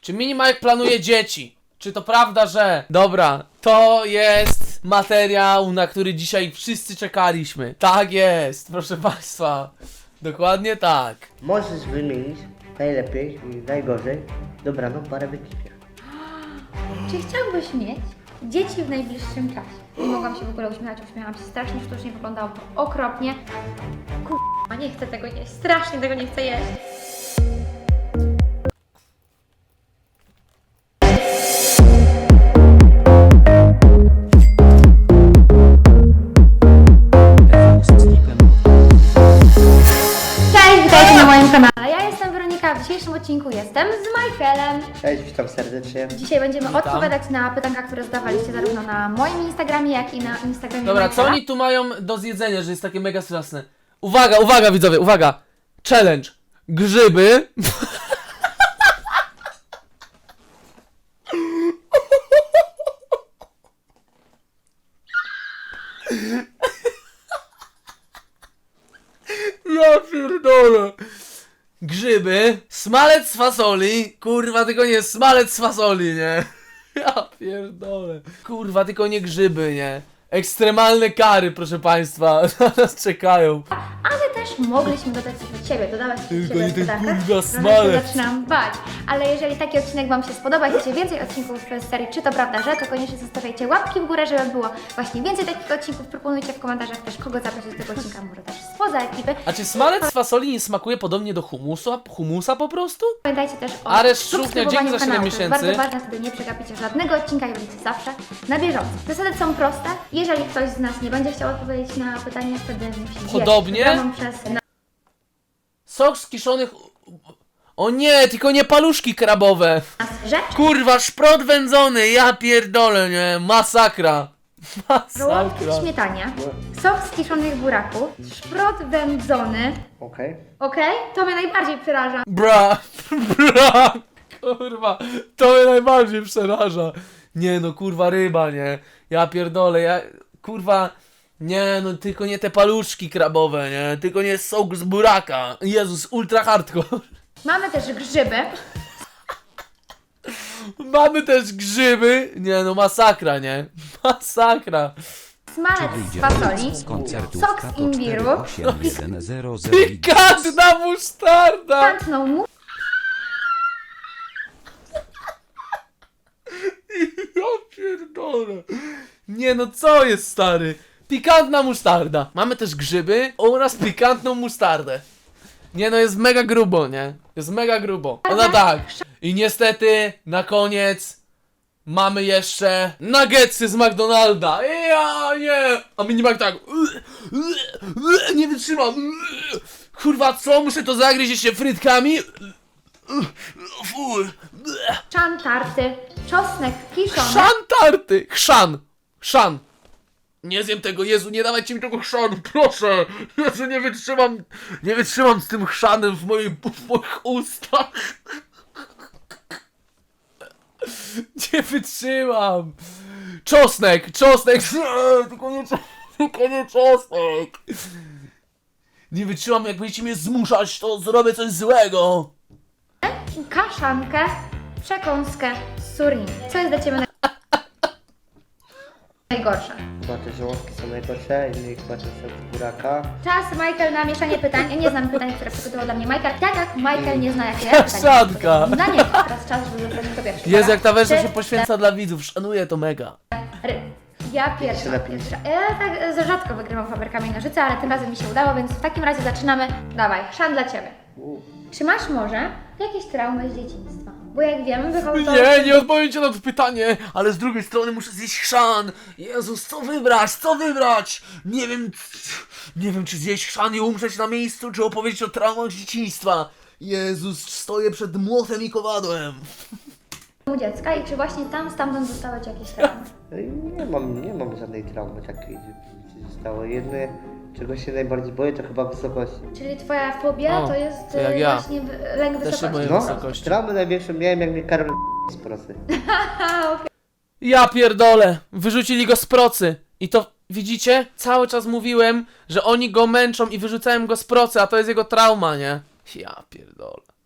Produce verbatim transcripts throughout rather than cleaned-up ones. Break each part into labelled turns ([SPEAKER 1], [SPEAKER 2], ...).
[SPEAKER 1] Czy Minimajek planuje dzieci? Czy to prawda, że... Dobra, to jest materiał, na który dzisiaj wszyscy czekaliśmy. Tak jest, proszę państwa. Dokładnie tak.
[SPEAKER 2] Możesz wymienić najlepiej i najgorzej dobraną parę w ekipie.
[SPEAKER 3] Czy chciałbyś mieć dzieci w najbliższym czasie? Nie mogłam się w ogóle uśmiechać, uśmiechałam się strasznie sztucznie, wyglądało to okropnie. Kurwa, nie chcę tego jeść, strasznie tego nie chcę jeść. Cześć, witajcie na moim kanale. Ja jestem Weronika, w dzisiejszym odcinku jestem z Michaelem.
[SPEAKER 2] Cześć, witam serdecznie.
[SPEAKER 3] Dzisiaj będziemy
[SPEAKER 1] Witam.
[SPEAKER 3] odpowiadać na pytanka, które zadawaliście zarówno na moim Instagramie, jak i na Instagramie
[SPEAKER 1] Dobra, co
[SPEAKER 3] Michaela.
[SPEAKER 1] oni tu mają do zjedzenia, że jest takie mega straszne? Uwaga, uwaga widzowie, uwaga! Challenge! Grzyby! Ja pierdolę! Grzyby, smalec z fasoli, kurwa, tylko nie smalec z fasoli, nie? Ja pierdolę. Kurwa, tylko nie grzyby, nie? Ekstremalne kary, proszę państwa, na nas czekają.
[SPEAKER 3] Ale też mogliśmy dodać coś od siebie, dodawać coś od
[SPEAKER 1] Tylko
[SPEAKER 3] siebie
[SPEAKER 1] nie
[SPEAKER 3] w
[SPEAKER 1] ten
[SPEAKER 3] pytankach.
[SPEAKER 1] kurwa
[SPEAKER 3] Trochę się
[SPEAKER 1] smalec.
[SPEAKER 3] zaczynam bać. Ale jeżeli taki odcinek Wam się spodoba i chcecie więcej odcinków z serii Czy to prawda, że? To koniecznie zostawiajcie łapki w górę, żeby było właśnie więcej takich odcinków. Proponujcie w komentarzach też, kogo zaprosić do tego odcinka, może też spoza ekipy.
[SPEAKER 1] A czy smalec z fasoli nie smakuje podobnie do humusu, humusa po prostu?
[SPEAKER 3] Pamiętajcie też o
[SPEAKER 1] Aresz Szufnia,
[SPEAKER 3] subskrybowaniu
[SPEAKER 1] dzięki za siedem
[SPEAKER 3] kanału. To jest
[SPEAKER 1] miesięcy.
[SPEAKER 3] bardzo ważne, wtedy nie przegapicie żadnego odcinka i będziecie zawsze na bieżąco. Zasady są proste. Jeżeli ktoś z nas nie będzie chciał odpowiedzieć na pytanie, wtedy musi
[SPEAKER 1] Podobnie?
[SPEAKER 3] zjeść wybraną przez
[SPEAKER 1] Sok z kiszonych... O nie, tylko nie paluszki krabowe.
[SPEAKER 3] nas rzecz.
[SPEAKER 1] Kurwa, szprot wędzony, ja pierdolę, nie? Masakra.
[SPEAKER 3] Żołądki w
[SPEAKER 1] Masakra.
[SPEAKER 3] śmietanie, sok z kiszonych buraków, szprot wędzony.
[SPEAKER 2] Okej.
[SPEAKER 3] Okej? To mnie najbardziej przeraża.
[SPEAKER 1] Bra, bra, kurwa, to mnie najbardziej przeraża. Nie no, kurwa, ryba, nie? Ja pierdolę, ja, kurwa, nie no, tylko nie te paluszki krabowe, nie? Tylko nie sok z buraka. Jezus, ultra hardcore.
[SPEAKER 3] Mamy też grzyby.
[SPEAKER 1] Mamy też grzyby. Nie no, masakra, nie? Masakra.
[SPEAKER 3] Smalec z fasoli.
[SPEAKER 4] z koncertu
[SPEAKER 3] Sok z imbiru.
[SPEAKER 1] Pikantna musztarda.
[SPEAKER 3] Pantną mu.
[SPEAKER 1] Ja pierdolę. Nie no, co jest, stary? Pikantna musztarda. Mamy też grzyby oraz pikantną musztardę. Nie no, jest mega grubo, nie? Jest mega grubo. Ona tak. I niestety, na koniec mamy jeszcze nuggetsy z McDonalda. Ja nie. A Minimajek tak. Nie wytrzymam. Kurwa, co? Muszę to zagryźć jeszcze frytkami? Fuj.
[SPEAKER 3] Chrzan tarty. Czosnek kiszony.
[SPEAKER 1] Chrzan tarty! Chrzan! Chrzan! Nie zjem tego, Jezu, nie dawajcie mi tego chrzanu, proszę! Jezu, nie wytrzymam, nie wytrzymam z tym chrzanem w, mojej, w moich ustach. Nie wytrzymam! Czosnek, czosnek! Tylko nie, tylko nie czosnek! Nie wytrzymam, jak będziecie mnie zmuszać, to zrobię coś złego!
[SPEAKER 3] Kaszankę. Przekąskę z surimi. Co jest dla Ciebie naj- najgorsze?
[SPEAKER 2] Chyba te żołądki są najgorsze, inny chyba ten sok z buraka.
[SPEAKER 3] Czas, Michael, na mieszanie pytań. Ja nie znam pytań, które przygotował dla mnie Michael. Tak jak Michael nie zna, jakie ja pytania
[SPEAKER 1] Kaszanka.
[SPEAKER 3] przygotowałam dla niego. Teraz czas, żeby zabrać to pierwsze.
[SPEAKER 1] Jezu, jak ta wersja
[SPEAKER 3] Trzy,
[SPEAKER 1] się poświęca dla widzów, szanuję to mega.
[SPEAKER 3] cztery. Ja pierwsza.
[SPEAKER 2] napisz.
[SPEAKER 3] pierwsza. Ja tak e, za rzadko wygrywam faberkami nożyce, ale tym razem mi się udało, więc w takim razie zaczynamy. Dawaj, szan dla Ciebie.
[SPEAKER 2] U,
[SPEAKER 3] Czy masz może jakieś traumy z dzieciństwa? Bo jak wiemy, wychodzą...
[SPEAKER 1] Nie, nie odpowiem ci na to pytanie, ale z drugiej strony muszę zjeść chrzan. Jezus, co wybrać, co wybrać? Nie wiem, nie wiem czy zjeść chrzan i umrzeć na miejscu, czy opowiedzieć o traumach z dzieciństwa. Jezus, stoję przed młotem i kowadłem.
[SPEAKER 3] u dziecka i czy właśnie tam stamtąd dostałeś jakieś traumy?
[SPEAKER 2] no i nie mam, nie mam żadnej traumy takiej, że zostało. Jedne, czego się najbardziej boję, to chyba wysokości.
[SPEAKER 3] Czyli Twoja fobia
[SPEAKER 1] O,
[SPEAKER 3] to jest
[SPEAKER 1] to jak
[SPEAKER 3] e,
[SPEAKER 1] ja.
[SPEAKER 3] właśnie w- lęk
[SPEAKER 1] Też się
[SPEAKER 3] wysokości.
[SPEAKER 1] boję
[SPEAKER 2] No,
[SPEAKER 1] wysokości.
[SPEAKER 2] traumy największą miałem, jak mnie Karol z prosy.
[SPEAKER 1] Ja pierdolę, wyrzucili go z procy. I to, widzicie? Cały czas mówiłem, że oni go męczą i wyrzucałem go z procy, a to jest jego trauma, nie? Ja pierdolę.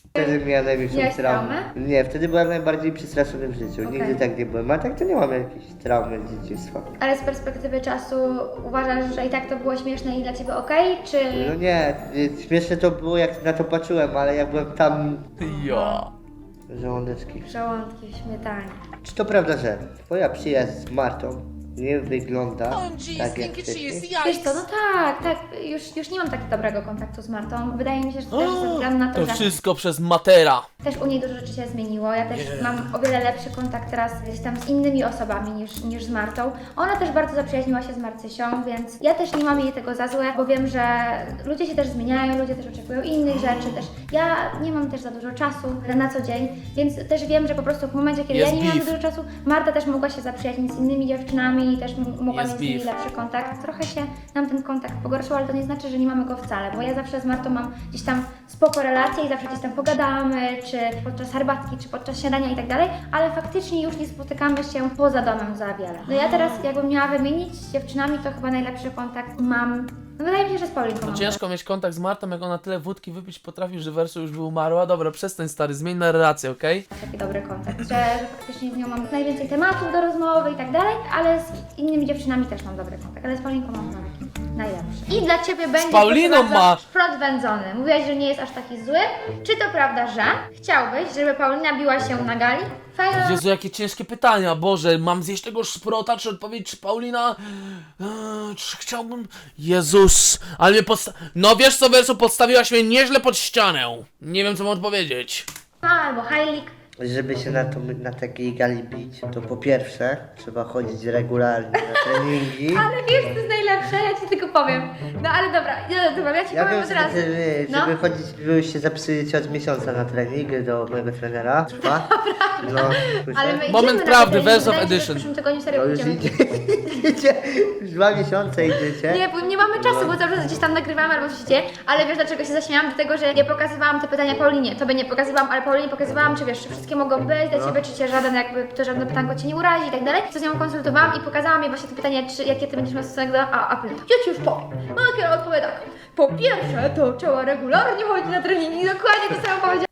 [SPEAKER 2] Wtedy miałem największą
[SPEAKER 3] Miałeś
[SPEAKER 2] traumę.
[SPEAKER 3] traumę?
[SPEAKER 2] Nie, wtedy byłem najbardziej przestraszony w życiu.
[SPEAKER 3] Okej.
[SPEAKER 2] Nigdy tak nie byłem, a tak to nie mam jakiejś traumy z dzieciństwa.
[SPEAKER 3] Ale z perspektywy czasu uważasz, że i tak to było śmieszne i dla ciebie okej, czy...
[SPEAKER 2] No nie, y, śmieszne to było jak na to patrzyłem, ale jak byłem tam...
[SPEAKER 1] Ja.
[SPEAKER 2] Żołądeczki.
[SPEAKER 3] Żołądki w śmietanie.
[SPEAKER 2] Czy to prawda, że twoja przyjaźń z Martą nie wygląda tak jak wcześniej?
[SPEAKER 3] Wiesz co, no tak, tak, już, już nie mam tak dobrego kontaktu z Martą. Wydaje mi się, że to też ze względu na to,
[SPEAKER 1] To
[SPEAKER 3] że
[SPEAKER 1] wszystko przez Matera.
[SPEAKER 3] też u niej dużo rzeczy się zmieniło. Ja też mam o wiele lepszy kontakt teraz gdzieś tam z innymi osobami niż, niż z Martą. Ona też bardzo zaprzyjaźniła się z Marcysią, więc ja też nie mam jej tego za złe, bo wiem, że ludzie się też zmieniają, ludzie też oczekują innych rzeczy, też ja nie mam też za dużo czasu na co dzień, więc też wiem, że po prostu w momencie, kiedy
[SPEAKER 1] Jest
[SPEAKER 3] ja nie miałam
[SPEAKER 1] beef.
[SPEAKER 3] dużo czasu, Marta też mogła się zaprzyjaźnić z innymi dziewczynami i też m- mogła
[SPEAKER 1] Jest
[SPEAKER 3] mieć z nimi
[SPEAKER 1] beef.
[SPEAKER 3] lepszy kontakt. Trochę się nam ten kontakt pogorszył, ale to nie znaczy, że nie mamy go wcale, bo ja zawsze z Martą mam gdzieś tam spoko relacje i zawsze gdzieś tam pogadamy, czy podczas herbatki, czy podczas śniadania i tak dalej, ale faktycznie już nie spotykamy się poza domem za wiele. No ja teraz jakbym miała wymienić z dziewczynami, to chyba najlepszy kontakt mam, no wydaje mi się, że z Paulinką
[SPEAKER 1] No
[SPEAKER 3] mam.
[SPEAKER 1] ciężko mieć kontakt z Martą, jak ona tyle wódki wypić potrafi, że Wersu już by umarła. Dobra, przestań stary, zmień na relację, okej?
[SPEAKER 3] Taki dobry kontakt, że, że faktycznie z nią mam najwięcej tematów do rozmowy i tak dalej, ale z innymi dziewczynami też mam dobry kontakt, ale z Paulinką mam taki najlepszy. I dla Ciebie będzie
[SPEAKER 1] Pauliną
[SPEAKER 3] proszę bardzo,
[SPEAKER 1] masz!
[SPEAKER 3] szprot wędzony. Mówiłaś, że nie jest aż taki zły. Czy to prawda, że chciałbyś, żeby Paulina biła się na gali? Fajna.
[SPEAKER 1] Jezu, jakie ciężkie pytania, Boże, mam zjeść tego szprota, czy odpowiedzieć, czy Paulina, eee, czy chciałbym, Jezus, ale mnie podsta... No wiesz co, Wersu, podstawiłaś mnie nieźle pod ścianę, nie wiem co mam odpowiedzieć.
[SPEAKER 3] Albo Heilig.
[SPEAKER 2] Żeby się na, to, na takiej gali bić, to po pierwsze trzeba chodzić regularnie na treningi.
[SPEAKER 3] Ale wiesz, to jest najlepsze, ja Ci tylko powiem. No ale dobra, ja, dobra, ja Ci
[SPEAKER 2] Ja
[SPEAKER 3] powiem
[SPEAKER 2] wiem,
[SPEAKER 3] od
[SPEAKER 2] że
[SPEAKER 3] razu.
[SPEAKER 2] żeby,
[SPEAKER 3] No.
[SPEAKER 2] żeby chodzić, żeby się zapisujecie od miesiąca na trening do mojego trenera. Trwa. No,
[SPEAKER 3] Ale my
[SPEAKER 1] Moment
[SPEAKER 3] idziemy
[SPEAKER 1] prawdy,
[SPEAKER 3] na te
[SPEAKER 1] Verse of
[SPEAKER 3] treningi,
[SPEAKER 1] Edition.
[SPEAKER 3] W przyszłym tygodniu
[SPEAKER 2] no
[SPEAKER 3] serio
[SPEAKER 2] już
[SPEAKER 3] pójdziemy.
[SPEAKER 2] idzie, idzie, już dwa miesiące idziecie.
[SPEAKER 3] Nie, bo nie mamy czasu, bo cały czas gdzieś tam nagrywamy albo coś się dzieje, ale wiesz dlaczego się zaśmiałam? Dlatego, że nie pokazywałam te pytania Paulinie. Tobie nie pokazywałam, ale Paulinie pokazywałam, czy wiesz, czy wszystkie mogą być dla
[SPEAKER 2] No.
[SPEAKER 3] Ciebie, czy Cię żaden jakby, to żadne pytanko Cię nie urazi i tak dalej. Co z nią konsultowałam i pokazałam jej właśnie te pytania, czy jakie Ty będziesz miał stosunek do... A, a Pauline, ja Ci już powiem. Makier odpowie tak. Po pierwsze, to trzeba regularnie chodzić na treningi i dokładnie to samo powiedziała,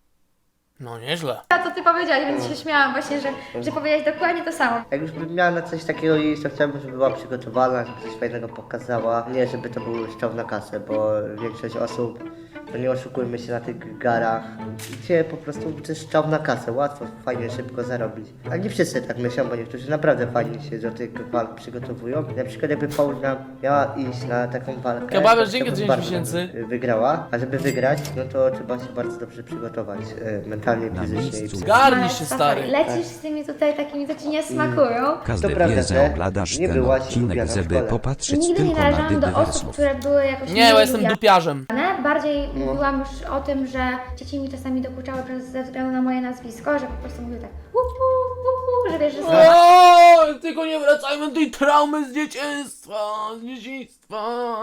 [SPEAKER 1] No nieźle.
[SPEAKER 3] co Ty powiedziałaś, więc się śmiałam właśnie, że, że powiedziałaś dokładnie to samo.
[SPEAKER 2] Jak już bym miała na coś takiego iść, to chciałbym, żeby była przygotowana, żeby coś fajnego pokazała. Nie, żeby to był strzał na kasę, bo większość osób, to nie oszukujmy się na tych garach, gdzie po prostu to jest strzał na kasę, łatwo, fajnie, szybko zarobić. A nie wszyscy tak myślą, bo niektórzy naprawdę fajnie się do tych walk przygotowują. Na przykład jakby Paulina miała iść na taką walkę,
[SPEAKER 1] Kebabiarz,
[SPEAKER 2] to
[SPEAKER 1] dzięki
[SPEAKER 2] chciałbym
[SPEAKER 1] za
[SPEAKER 2] bardzo,
[SPEAKER 1] dziewięć tysięcy.
[SPEAKER 2] żeby wygrała, a żeby wygrać, no to trzeba się bardzo dobrze przygotować e, mentalnie,
[SPEAKER 4] Na
[SPEAKER 2] fizycznie i
[SPEAKER 4] miejscu.
[SPEAKER 2] psychicznie.
[SPEAKER 1] Zgarnij się,
[SPEAKER 3] Ale
[SPEAKER 1] stary.
[SPEAKER 3] Lecisz z tymi tutaj takimi, co Ci nie smakują.
[SPEAKER 4] Każdy
[SPEAKER 2] To prawda,
[SPEAKER 4] wie,
[SPEAKER 2] że
[SPEAKER 4] że oglądasz
[SPEAKER 2] nie
[SPEAKER 4] ten
[SPEAKER 2] byłaś
[SPEAKER 4] odcinek,
[SPEAKER 2] lubiana w
[SPEAKER 4] żeby
[SPEAKER 2] szkole.
[SPEAKER 4] popatrzeć
[SPEAKER 3] Nigdy nie
[SPEAKER 4] tylko na
[SPEAKER 3] należałam do osób,
[SPEAKER 4] dywersów.
[SPEAKER 3] które były jakoś
[SPEAKER 1] Nie, bo jestem
[SPEAKER 3] lubiane.
[SPEAKER 1] dupiarzem.
[SPEAKER 3] Bardziej mówiłam już o tym, że dzieci mi czasami dokuczały przez, ze względu na moje nazwisko, że po prostu mówiły tak hu, hu, hu, hu, że wiesz, że słowa.
[SPEAKER 1] O, tylko nie wracajmy do tej traumy z dzieciństwa, z dzieciństwa.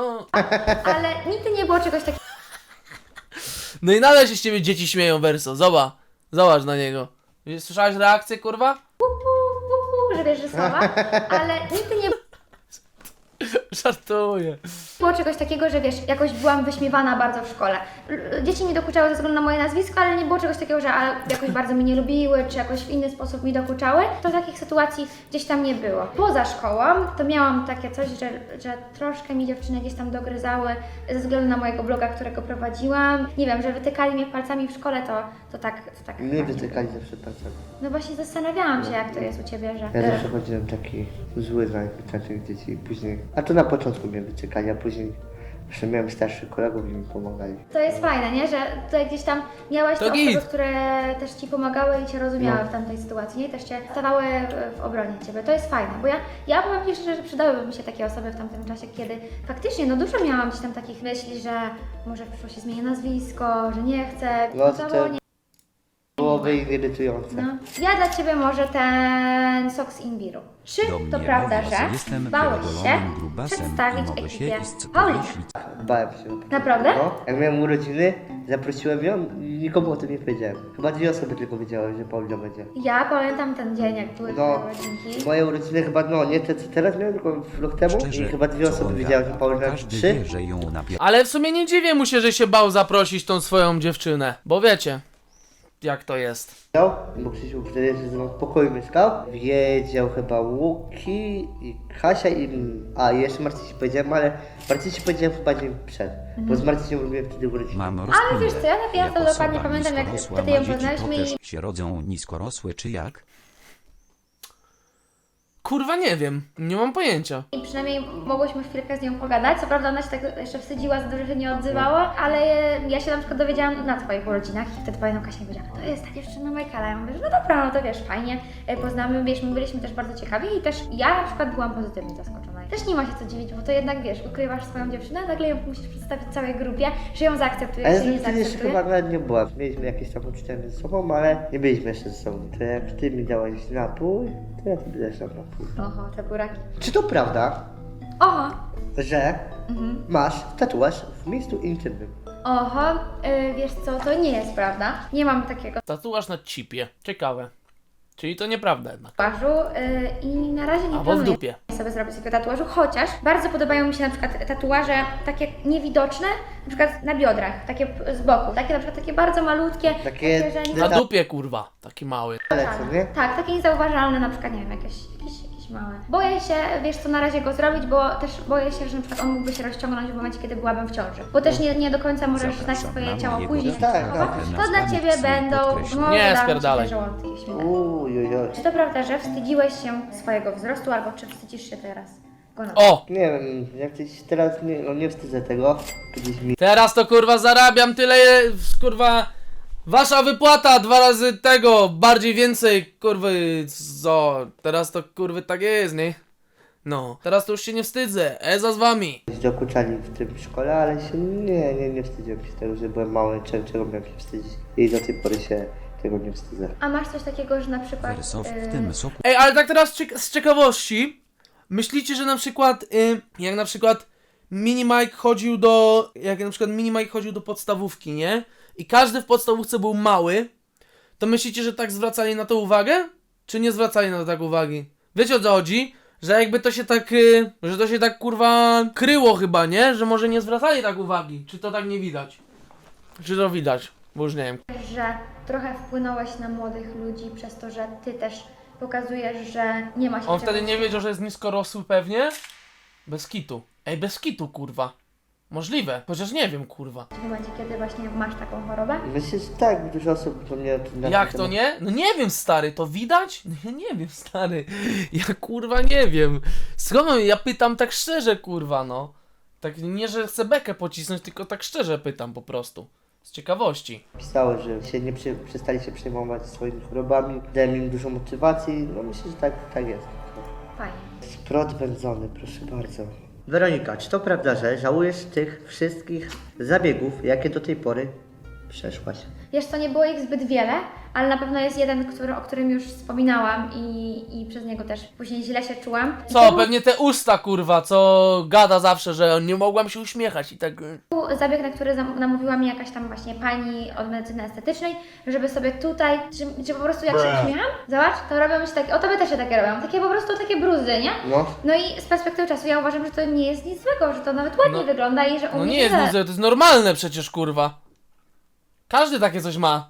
[SPEAKER 3] Ale nigdy nie było czegoś takiego,
[SPEAKER 1] No i nadal się z ciebie dzieci śmieją, Verso, zobacz, zobacz na niego. Słyszałeś reakcję, kurwa?
[SPEAKER 3] hu, hu, hu, hu, że wiesz, że słowa, ale nigdy nie
[SPEAKER 1] Żartuję.
[SPEAKER 3] było czegoś takiego, że wiesz, jakoś byłam wyśmiewana bardzo w szkole. L- Dzieci mi dokuczały ze względu na moje nazwisko, ale nie było czegoś takiego, że a, jakoś bardzo mnie nie lubiły, czy jakoś w inny sposób mi dokuczały. To takich sytuacji gdzieś tam nie było. Poza szkołą to miałam takie coś, że, że troszkę mi dziewczyny gdzieś tam dogryzały ze względu na mojego bloga, którego prowadziłam. Nie wiem, że wytykali mnie palcami w szkole, to, to tak, to tak.
[SPEAKER 2] Mnie wytykali zawsze palcem.
[SPEAKER 3] No właśnie zastanawiałam się, jak to jest u Ciebie, że...
[SPEAKER 2] Ja
[SPEAKER 3] e,
[SPEAKER 2] zawsze chodziłem taki zły na takich dzieci i później, a to na początku mnie wyciekali, a później jeszcze miałem starszych kolegów i mi pomagali.
[SPEAKER 3] To jest fajne, nie? Że tutaj gdzieś tam miałeś
[SPEAKER 1] To
[SPEAKER 3] te osoby,
[SPEAKER 1] git.
[SPEAKER 3] które też Ci pomagały i Cię rozumiały
[SPEAKER 2] No.
[SPEAKER 3] w tamtej sytuacji, nie? Też Cię stawały w obronie Ciebie. To jest fajne, bo ja, ja powiem Ci szczerze, że przydałyby mi się takie osoby w tamtym czasie, kiedy faktycznie, no dużo miałam gdzieś tam takich myśli, że może w przyszłości zmienię nazwisko, że nie chcę,
[SPEAKER 2] No,
[SPEAKER 3] to
[SPEAKER 2] to-
[SPEAKER 3] nie.
[SPEAKER 2] Byłoby irytujące.
[SPEAKER 3] No. Ja dla Ciebie może ten sok z imbiru. Czy
[SPEAKER 4] Do
[SPEAKER 3] to
[SPEAKER 4] mnie
[SPEAKER 3] prawda,
[SPEAKER 4] mówią,
[SPEAKER 3] że
[SPEAKER 4] jestem
[SPEAKER 3] bałeś się
[SPEAKER 4] pierdolonym grubasem i
[SPEAKER 3] przedstawić
[SPEAKER 4] mogę się
[SPEAKER 3] ekipie
[SPEAKER 4] iść
[SPEAKER 3] Paulinę?
[SPEAKER 4] powiesić.
[SPEAKER 2] Bałem się.
[SPEAKER 3] Naprawdę?
[SPEAKER 2] No, jak miałem urodziny, zaprosiłem ją i nikomu o tym nie powiedziałem. Chyba dwie osoby tylko wiedziały, że Paulina będzie.
[SPEAKER 3] Ja pamiętam ten dzień, jak były
[SPEAKER 2] No,
[SPEAKER 3] Twoje urodzinki.
[SPEAKER 2] moje urodziny chyba, no nie te co teraz miałem, tylko rok temu
[SPEAKER 4] Szczerze,
[SPEAKER 2] i chyba dwie
[SPEAKER 4] co
[SPEAKER 2] osoby
[SPEAKER 4] on
[SPEAKER 2] wiedziały, że
[SPEAKER 4] gada?
[SPEAKER 2] Paulina
[SPEAKER 4] Każdy
[SPEAKER 2] trzy.
[SPEAKER 4] wie, że ją napier...
[SPEAKER 1] Ale w sumie nie dziwię mu się, że się bał zaprosić tą swoją dziewczynę, bo wiecie. jak to jest.
[SPEAKER 2] bo Krzysiu wtedy ze mną w pokoju mieszkał. Wiedział chyba Łuki i Kasia i... A, i jeszcze Marcy ci powiedziałem, ale Marcy ci powiedziałem chyba dzień przed. Bo z Marcysią robiłem wtedy urodziny.
[SPEAKER 4] Mam
[SPEAKER 3] Ale wiesz co, ja, ja to
[SPEAKER 4] Jak
[SPEAKER 3] dokładnie
[SPEAKER 4] osoba
[SPEAKER 3] pamiętam, jak
[SPEAKER 4] niskorosła
[SPEAKER 3] wtedy
[SPEAKER 4] ma
[SPEAKER 3] ją
[SPEAKER 4] dzieci,
[SPEAKER 3] poznaliśmy
[SPEAKER 4] to
[SPEAKER 3] i...
[SPEAKER 4] też się rodzą niskorosłe, czy jak?
[SPEAKER 1] Kurwa nie wiem, nie mam pojęcia.
[SPEAKER 3] I przynajmniej mogłyśmy chwilkę z nią pogadać. Co prawda ona się tak jeszcze wstydziła za to, że się nie odzywała, ale ja się na przykład dowiedziałam na twoich urodzinach i wtedy pamiętam Kasia mi powiedziała, to jest ta dziewczyna Michaela. Ja mówię, że no dobra, no to wiesz, fajnie, e, poznamy, wiesz, my byliśmy też bardzo ciekawi i też ja na przykład byłam pozytywnie zaskoczona. I też nie ma się co dziwić, bo to jednak wiesz, ukrywasz swoją dziewczynę, nagle ją musisz przedstawić całej grupie, że ją zaakceptuje,
[SPEAKER 2] Ale
[SPEAKER 3] czy nie
[SPEAKER 2] wtedy jeszcze
[SPEAKER 3] zaakceptuje.
[SPEAKER 2] chyba nawet nie była. Mieliśmy jakieś tam uczucia między sobą, ale nie byliśmy jeszcze ze sobą. To jak ty mi dałeś napój, to ja tobie dać napój.
[SPEAKER 3] Oho, te buraki.
[SPEAKER 2] Czy to prawda,
[SPEAKER 3] Oho,
[SPEAKER 2] że
[SPEAKER 3] mhm.
[SPEAKER 2] masz tatuaż w miejscu intymnym?
[SPEAKER 3] Oho, y, wiesz co, to nie jest prawda. Nie mam takiego
[SPEAKER 1] Tatuaż na cipie. Ciekawe. Czyli to nieprawda jednak.
[SPEAKER 3] tatuażu y, i na razie nie
[SPEAKER 1] Albo w
[SPEAKER 3] planuję
[SPEAKER 1] dupie.
[SPEAKER 3] sobie zrobić takiego tatuażu, chociaż bardzo podobają mi się na przykład tatuaże takie niewidoczne, na przykład na biodrach, takie z boku, takie na przykład takie bardzo malutkie,
[SPEAKER 2] Takie-
[SPEAKER 3] że nie
[SPEAKER 1] Na
[SPEAKER 2] Tak.
[SPEAKER 1] dupie kurwa. Taki mały.
[SPEAKER 2] Ale co, nie?
[SPEAKER 3] Tak, takie niezauważalne, na przykład, nie wiem, jakieś, jakieś, jakieś małe. Boję się, wiesz co, na razie go zrobić, bo też boję się, że na przykład on mógłby się rozciągnąć w momencie, kiedy byłabym w ciąży. Bo też nie, nie do końca możesz znać
[SPEAKER 4] Zapraszam
[SPEAKER 3] swoje
[SPEAKER 4] na
[SPEAKER 3] ciało
[SPEAKER 4] mojego
[SPEAKER 3] później.
[SPEAKER 2] Tak, tak.
[SPEAKER 3] To dla Ciebie będą,
[SPEAKER 4] Podkreślam.
[SPEAKER 3] może
[SPEAKER 1] Nie,
[SPEAKER 3] dam Ci
[SPEAKER 1] spierdalaj.
[SPEAKER 3] te żołądki śmigać.
[SPEAKER 2] Uj, uj, uj.
[SPEAKER 3] Czy to prawda, że wstydziłeś się swojego wzrostu, albo czy wstydzisz się teraz go na
[SPEAKER 1] O!
[SPEAKER 2] Nie wiem, jak coś teraz nie, no nie wstydzę tego. Kiedyś mi
[SPEAKER 1] Teraz to kurwa zarabiam tyle, kurwa. Wasza wypłata dwa razy tego, bardziej więcej, kurwy, co? Teraz to kurwy tak jest, nie? No, teraz to już się nie wstydzę, Eza z wami.
[SPEAKER 2] dokuczali w tym szkole, ale się nie, nie, nie wstydziłem się tego, że byłem mały, czego, czego miałem się wstydzić. I do tej pory się tego nie wstydzę.
[SPEAKER 3] A masz coś takiego, że na przykład...
[SPEAKER 4] Wersow w
[SPEAKER 3] yy,
[SPEAKER 4] tym soku
[SPEAKER 1] Ej, ale tak teraz ciek- z ciekawości, myślicie, że na przykład, y, jak na przykład Mini Mike chodził do, jak na przykład Mini Mike chodził do podstawówki, nie? I każdy w podstawówce był mały, to myślicie, że tak zwracali na to uwagę? Czy nie zwracali na to tak uwagi? Wiecie o co chodzi? Że jakby to się tak, y, że to się tak kurwa kryło chyba, nie? Że może nie zwracali tak uwagi. Czy to tak nie widać? Czy to widać? Bo już nie wiem.
[SPEAKER 3] że trochę wpłynąłeś na młodych ludzi przez to, że Ty też pokazujesz, że nie ma się
[SPEAKER 1] On
[SPEAKER 3] czego
[SPEAKER 1] wtedy nie wiedział, że jest niskorosły pewnie? Bez kitu. Ej, bez kitu, kurwa. Możliwe, chociaż nie wiem, kurwa.
[SPEAKER 3] w momencie, kiedy właśnie masz taką chorobę.
[SPEAKER 2] Myślę, że tak, dużo osób do mnie... na
[SPEAKER 1] Jak
[SPEAKER 2] ten
[SPEAKER 1] to
[SPEAKER 2] temat-
[SPEAKER 1] nie? No nie wiem, stary, to widać? No ja nie wiem, stary. Ja kurwa nie wiem. Skąd mam- ja pytam tak szczerze, kurwa, no. Tak nie, że chcę bekę pocisnąć, tylko tak szczerze pytam po prostu. Z ciekawości.
[SPEAKER 2] Pisały, że się nie przy, przestali się przejmować swoimi chorobami, dałem im dużo motywacji, no myślę, że tak, tak jest.
[SPEAKER 3] Fajnie.
[SPEAKER 2] Sprot wędzony, proszę bardzo. Weronika, czy to prawda, że żałujesz tych wszystkich zabiegów, jakie do tej pory przeszłaś?
[SPEAKER 3] Wiesz co, nie było ich zbyt wiele, ale na pewno jest jeden, który, o którym już wspominałam i, i przez niego też później źle się czułam. I
[SPEAKER 1] Co,
[SPEAKER 3] to był
[SPEAKER 1] pewnie te usta, kurwa, co gada zawsze, że nie mogłam się uśmiechać i tak... y,
[SPEAKER 3] zabieg, na który zam- namówiła mnie jakaś tam właśnie pani od medycyny estetycznej, żeby sobie tutaj, że, że po prostu jak się uśmiecham, zobacz, to robią mi się takie, o tobie też się takie robią, takie po prostu takie bruzy, nie?
[SPEAKER 2] No,
[SPEAKER 3] No i z perspektywy czasu ja uważam, że to nie jest nic złego, że to nawet ładnie
[SPEAKER 1] No-
[SPEAKER 3] wygląda i że u
[SPEAKER 1] No
[SPEAKER 3] mnie
[SPEAKER 1] nie jest
[SPEAKER 3] się
[SPEAKER 1] nic, to jest normalne przecież, kurwa. Każdy takie coś ma.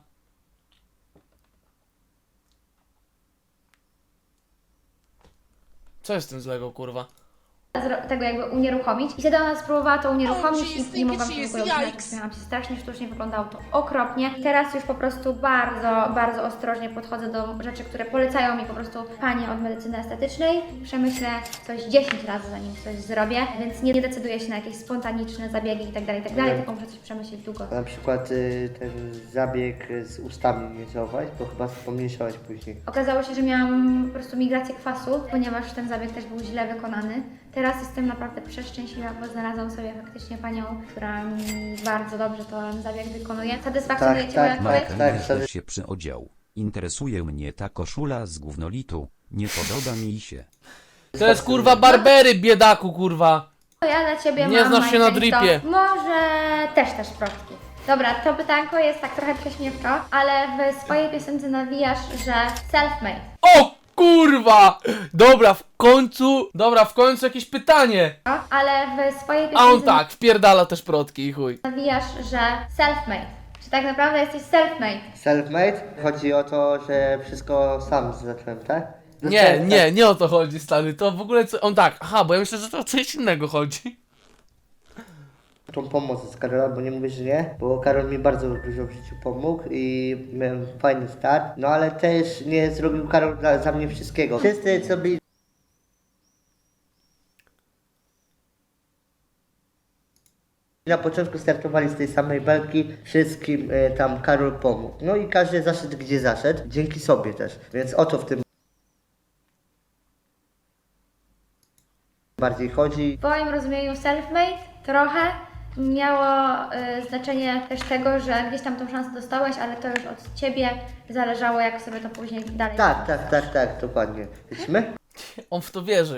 [SPEAKER 1] Co jest z tym złego, kurwa?
[SPEAKER 3] zro- tego jakby unieruchomić. I wtedy ona spróbowała to unieruchomić
[SPEAKER 5] Oh, jeez,
[SPEAKER 3] i nie mogłam się w ogóle uśmiechać.
[SPEAKER 5] yikes.
[SPEAKER 3] Uśmiechałam się strasznie sztucznie, wyglądało to okropnie. I teraz już po prostu bardzo, bardzo ostrożnie podchodzę do rzeczy, które polecają mi po prostu panie od medycyny estetycznej. Przemyślę coś dziesięć razy zanim coś zrobię, więc nie, nie decyduję się na jakieś spontaniczne zabiegi i tak dalej, i tak dalej.
[SPEAKER 2] Mhm.
[SPEAKER 3] Taką muszę coś przemyśleć długo.
[SPEAKER 2] a na przykład y, ten zabieg z ustami nie działałeś, bo chyba pomniejszałaś później.
[SPEAKER 3] Okazało się, że miałam po prostu migrację kwasu, ponieważ ten zabieg też był źle wykonany. Teraz jestem naprawdę przeszczęśliwa, bo znalazłam sobie faktycznie panią, która mi bardzo dobrze ten zabieg wykonuje. Satysfakcjonuje
[SPEAKER 2] Tak,
[SPEAKER 3] Cię moja
[SPEAKER 2] tak,
[SPEAKER 3] odpowiedź?
[SPEAKER 2] tak,
[SPEAKER 4] Michael
[SPEAKER 2] wtedy-
[SPEAKER 4] też się przyodział. Interesuje mnie ta koszula z gównolitu. Nie podoba mi się.
[SPEAKER 1] To jest kurwa barbery, biedaku, kurwa.
[SPEAKER 3] To ja dla Ciebie
[SPEAKER 1] Nie
[SPEAKER 3] mam
[SPEAKER 1] znasz się na
[SPEAKER 3] Majka,
[SPEAKER 1] dripie.
[SPEAKER 3] to Może też też prostki. Dobra, to pytanko jest tak trochę prześmiewczo, ale w swojej piosence nawijasz, że self-made.
[SPEAKER 1] O kurwa! Dobra, w końcu, dobra, w końcu jakieś pytanie.
[SPEAKER 3] No, ale w swojej
[SPEAKER 1] A on
[SPEAKER 3] piosence
[SPEAKER 1] tak, wpierdala też protki i chuj.
[SPEAKER 3] nawijasz, że self-made. Czy tak naprawdę jesteś self-made?
[SPEAKER 2] Self-made? Chodzi o to, że wszystko sam zacząłem, tak?
[SPEAKER 1] Nie,
[SPEAKER 2] Zacząłem,
[SPEAKER 1] nie, nie o to chodzi, stary. To w ogóle co... On tak, aha, bo ja myślę, że to o coś innego chodzi.
[SPEAKER 2] Tak, tą pomoc z Karola, bo nie mówię, że nie, bo Karol mi bardzo dużo w życiu pomógł i miałem fajny start, no ale też nie zrobił Karol dla, za mnie wszystkiego. Wszyscy, co byli na początku startowali z tej samej belki, wszystkim e, tam Karol pomógł. No i każdy zaszedł gdzie zaszedł, dzięki sobie też, więc o to w tym bardziej chodzi.
[SPEAKER 3] W moim rozumieniu self-made trochę miało y, znaczenie też tego, że gdzieś tam tą szansę dostałeś, ale to już od ciebie zależało, jak sobie to później dalej.
[SPEAKER 2] Tak, tak, tak, tak, dokładnie. Lecimy?
[SPEAKER 1] On w to wierzy.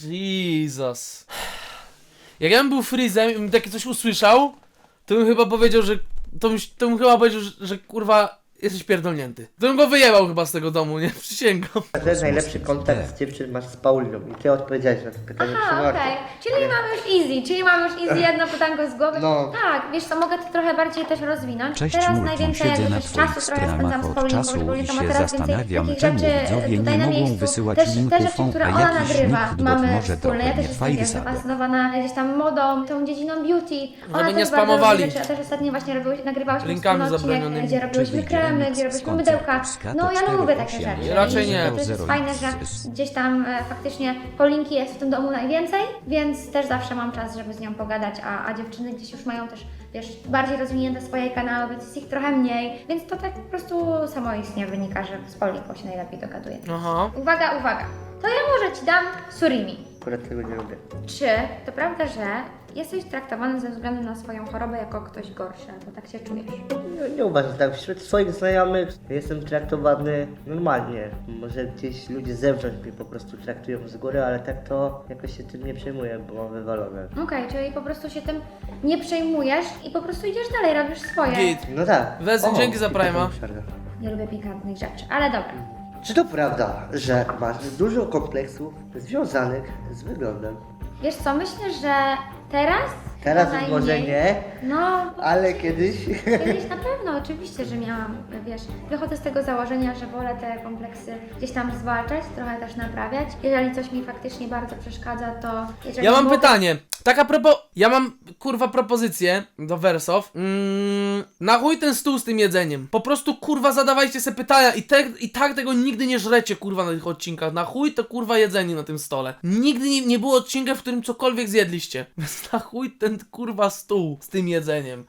[SPEAKER 1] Jesus. Jak ja bym był Freezem i bym takie coś usłyszał, to bym chyba powiedział, że... To bym, to bym chyba powiedział, że, że kurwa jesteś pierdolnięty. To bym go wyjebał chyba z tego domu, nie? Przysięgam.
[SPEAKER 2] Że najlepszy kontakt z dziewczyn masz z Pauliną i ty odpowiedziałeś na to pytanie przy
[SPEAKER 3] Aha,
[SPEAKER 2] Marku.
[SPEAKER 3] okej. Czyli mamy już easy, czyli mamy już easy jedno pytanko z głowy.
[SPEAKER 2] No.
[SPEAKER 3] Tak, wiesz co, mogę to trochę bardziej też rozwinąć.
[SPEAKER 4] Cześć
[SPEAKER 3] Teraz
[SPEAKER 4] Multum,
[SPEAKER 3] najwięcej
[SPEAKER 4] siedzę
[SPEAKER 3] jakby
[SPEAKER 4] na
[SPEAKER 3] też
[SPEAKER 4] twoich
[SPEAKER 3] czasu trochę spędzam
[SPEAKER 4] stronach
[SPEAKER 3] z
[SPEAKER 4] od
[SPEAKER 3] Pauliną,
[SPEAKER 4] czasu
[SPEAKER 3] bo Paulina
[SPEAKER 4] i
[SPEAKER 3] ma
[SPEAKER 4] się
[SPEAKER 3] teraz więcej
[SPEAKER 4] zastanawiam,
[SPEAKER 3] takich
[SPEAKER 4] czemu
[SPEAKER 3] rzeczy
[SPEAKER 4] widzowie
[SPEAKER 3] tutaj
[SPEAKER 4] nie
[SPEAKER 3] na
[SPEAKER 4] mogą
[SPEAKER 3] miejscu.
[SPEAKER 4] wysyłać
[SPEAKER 3] Też te
[SPEAKER 4] linków,
[SPEAKER 3] rzeczy, które
[SPEAKER 4] a
[SPEAKER 3] ona
[SPEAKER 4] jakiś
[SPEAKER 3] nagrywa,
[SPEAKER 4] nick bot
[SPEAKER 3] mamy
[SPEAKER 4] może
[SPEAKER 3] wspólne. Ja
[SPEAKER 4] trochę
[SPEAKER 3] też
[SPEAKER 4] nie
[SPEAKER 3] jestem
[SPEAKER 4] fajny
[SPEAKER 3] wiesz,
[SPEAKER 4] zabaw.
[SPEAKER 3] zafascynowana gdzieś tam modą, tą dziedziną beauty. Ona
[SPEAKER 1] Żeby
[SPEAKER 3] też
[SPEAKER 1] nie
[SPEAKER 3] bardzo
[SPEAKER 1] spamowali.
[SPEAKER 3] lubi rzeczy. Ja też ostatnio właśnie robiłeś, nagrywałyśmy
[SPEAKER 1] Linkami
[SPEAKER 3] wspólny odcinek,
[SPEAKER 1] zabronionymi.
[SPEAKER 3] gdzie robiłyśmy
[SPEAKER 4] Czy
[SPEAKER 3] kremy,
[SPEAKER 4] wyjdziemy
[SPEAKER 3] gdzie
[SPEAKER 4] z
[SPEAKER 3] robiłyśmy
[SPEAKER 4] koncertu
[SPEAKER 3] mydełka.
[SPEAKER 4] z Kato
[SPEAKER 3] No ja
[SPEAKER 4] cztery
[SPEAKER 3] lubię takie
[SPEAKER 4] osiem?
[SPEAKER 3] rzeczy.
[SPEAKER 1] Raczej
[SPEAKER 3] I
[SPEAKER 1] nie.
[SPEAKER 3] To jest
[SPEAKER 4] zero
[SPEAKER 3] fajne, że
[SPEAKER 4] X.
[SPEAKER 3] gdzieś tam e, faktycznie Paulinki jest w tym domu najwięcej, więc też zawsze mam czas, żeby z nią pogadać, a, a dziewczyny gdzieś już mają też, wiesz, bardziej rozwinięte swoje kanały, więc jest ich trochę mniej, więc to tak po prostu samoistnie wynika, że z Paulinką się najlepiej dogaduje.
[SPEAKER 1] Aha.
[SPEAKER 3] Uwaga, uwaga, to ja może Ci dam surimi.
[SPEAKER 2] Akurat tego nie lubię.
[SPEAKER 3] Czy to prawda, że jesteś traktowany ze względu na swoją chorobę jako ktoś gorszy, albo tak się czujesz?
[SPEAKER 2] Nie, nie uważam tak. Wśród swoich znajomych jestem traktowany normalnie. Może gdzieś ludzie z zewnątrz mnie po prostu traktują z góry, ale tak to jakoś się tym nie przejmuję, bo mam wywalone.
[SPEAKER 3] Okej, czyli po prostu się tym nie przejmujesz i po prostu idziesz dalej, robisz swoje.
[SPEAKER 1] Git.
[SPEAKER 2] No tak.
[SPEAKER 1] Wezmę,
[SPEAKER 2] O,
[SPEAKER 1] dzięki za
[SPEAKER 2] i taką
[SPEAKER 1] Prime'a.
[SPEAKER 2] przerwę.
[SPEAKER 3] Nie lubię pikantnych rzeczy, ale dobra.
[SPEAKER 2] Czy to prawda, że masz dużo kompleksów związanych z wyglądem?
[SPEAKER 3] Wiesz co, myślę, że teraz...
[SPEAKER 2] Teraz
[SPEAKER 3] to
[SPEAKER 2] może
[SPEAKER 3] najmniej.
[SPEAKER 2] nie,
[SPEAKER 3] No,
[SPEAKER 2] ale kiedyś...
[SPEAKER 3] kiedyś na pewno, oczywiście, że miałam, wiesz, wychodzę z tego założenia, że wolę te kompleksy gdzieś tam zwalczać, trochę też naprawiać. Jeżeli coś mi faktycznie bardzo przeszkadza, to... Jeżeli
[SPEAKER 1] Ja mam
[SPEAKER 3] mogę-
[SPEAKER 1] pytanie. Tak a propos, ja mam kurwa propozycję do Wersow. Mm, na chuj ten stół z tym jedzeniem. Po prostu kurwa zadawajcie se pytania i, te, i tak tego nigdy nie żrecie kurwa na tych odcinkach. Na chuj to kurwa jedzenie na tym stole. Nigdy nie, nie było odcinka, w którym cokolwiek zjedliście. Więc na chuj ten kurwa stół z tym jedzeniem.